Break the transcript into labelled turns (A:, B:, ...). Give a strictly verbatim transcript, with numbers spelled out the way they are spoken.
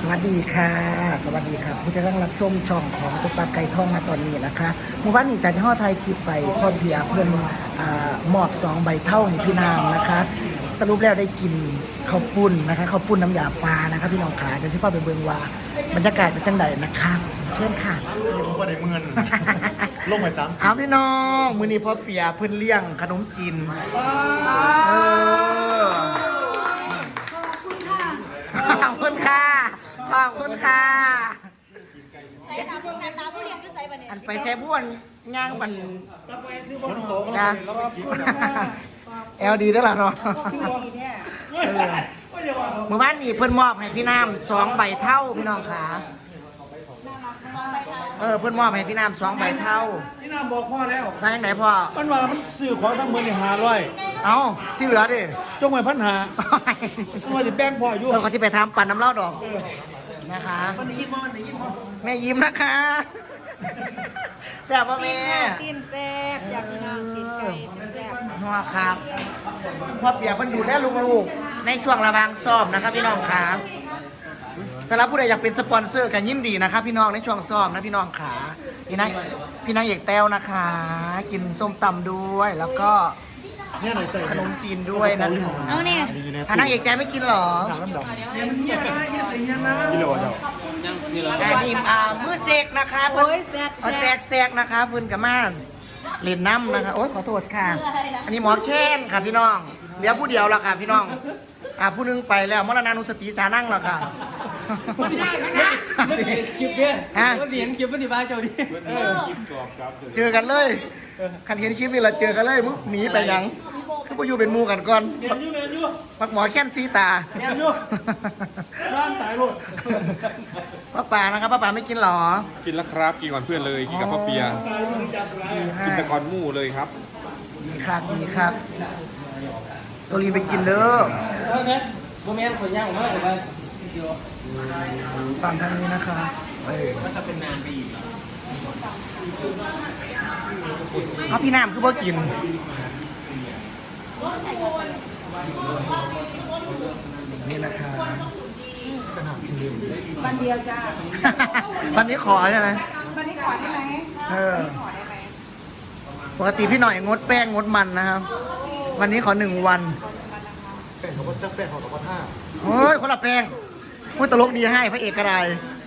A: วัสดีค่ะสวัสดีครับผู้ที่กำลังรับชมช่องของตุ๊กตาไก่ทองมาตอนนี้นะคะเมื่อวานนี้จันทร์ห่อไทยคลิปไปพ่อเบียร์เพื่อนอ่ามอบสองใบเท่าให้พี่นามนะคะ สรุปแล้วได้กินข้าวปุ้นนะคะข้าวปุ้นน้ำยาปลานะคะพี่น้องขาเดี๋ยวสิพ่อไปเบิ่งว่าบรรยากาศเป็นจังไดนะคะเชิญค่ะ
B: ผมก็ได้เงิน ลงไปซ้ำ
A: เอาพี่น้องมื้อนี้พ่อเปียเพิ่นเลี้ยงขนมจีนเออขอบคุณค่ะขอบคุณค่ะ
C: ใส่ตาพวกนั้นตาผู้เรียนก็ใส่บันเนี่ย
A: อันไปแช่บ้วนย่างมัน
B: คนโตก็
A: นะแอลดีด้วยล่ะเนาะเออเมื่อวานนี้เพิ่นมอบให้พี่น้ำสองใบเท่าพี่น้องขาเออเพิ่นมอบให้พี่น้ำสองใบเท่า
B: พี่น้ำบอกพ่อแล้ว
A: มาอย่างไหนพ่อ
B: มันว่ามันซื้อของทั้งเมืองในหาร้อย
A: เอาที่เหลือดิ
B: จงไว้พันหาต้องมาติดแป้งพ่ออยู่
A: เออก็ที่ไปทำปั่นน้ำเล่าดอกนะคะแม่ยิ้มนะคะแซ่บป่ะแม่
C: กินแซ่บอยากกินน้ำกินไก่แซ่บ
A: นัวครับพ่อเปียกมันดูแลลูกๆในช่วงระหว่างซ้อมนะครับพี่น้องครับสำหรับผู้ใดอยากเป็นสปอนเซอร์กันยินดีนะครับพี่น้องในช่วงซ้อมนะพี่น้องขาพี่นายพี่นางเอกแต้วนะคะ กินส้มตำด้วยแล้วก็
B: เนี่ยหน่อยใส่
A: ขนมจีนด้วยนะคะ
C: เอาเนี่ย
A: อ่ะนางเอกใจไม่กินเหรอ
B: ถามน้ำดำกิโลเดียว
A: อ่านี่อ่ามือเสกนะคะ
C: โอ้ยแซ่บ
A: เอาแสกแสกนะคะเพื้นกับม่านเล่นน้ำนะคะโอ๊ยขอโทษค่ะ อันนี้หมอแค้นค่ะพี่น้องเดี๋ยวผู้เดียวแล้วค่ะพี่น้องอ่าผู้หนึงไปแล้วมรณานุสติสานั่งแล้วค่ะ
D: มันเห็นคลิปเนี่ย
A: ฮะ
D: มันเห็นคลิปมันดีบ้าเจ้าดิ
A: เจอกันเลยคันเห็นคลิปนี่เราเจอกันเลยมึงหนีไปหยังคือไปอยู่เป็นหมูกันก่อน
B: เมียนอยู่เมียนอยู่
A: ปักหมอแค้นซีตา
B: เมียนอยู่ร้านตายลูก
A: ป้าป่านะครับป้าป่าไม่กินหรอ
E: กินแล้วครับกินก่อนเพื่อนเลยกินกับพ่อเปีย
A: ดีให้
E: กินแต่ก่อนหมู่เลยครับ
A: ดีครับดีครับตัวรีนไปกินเด้อ
D: เออเนี่ยโมเมนต์คนย่างออกมาแต่ว่าเดียว
A: ฝั่งทางนี้นะคะเออ
D: มันจะเป็นนานไปอีก
A: เอาพี่น้ำคือบ่กินนี่นะคะ
F: วันเดียวจ้า
A: วันนี้ขอใช่ไหม
F: วันนี้ขอได้ไหม
A: เออ
F: ขอได้ไหม
A: ปกติพี่หน่อยงดแป้งงดมันนะครับ วันนี้ขอหนึ่งวัน
B: แป้งเขาก็แป้งเขาก็ท่า
A: เฮ้ยคนละแป้งพูดตลกดีให้พระเอกก็ได้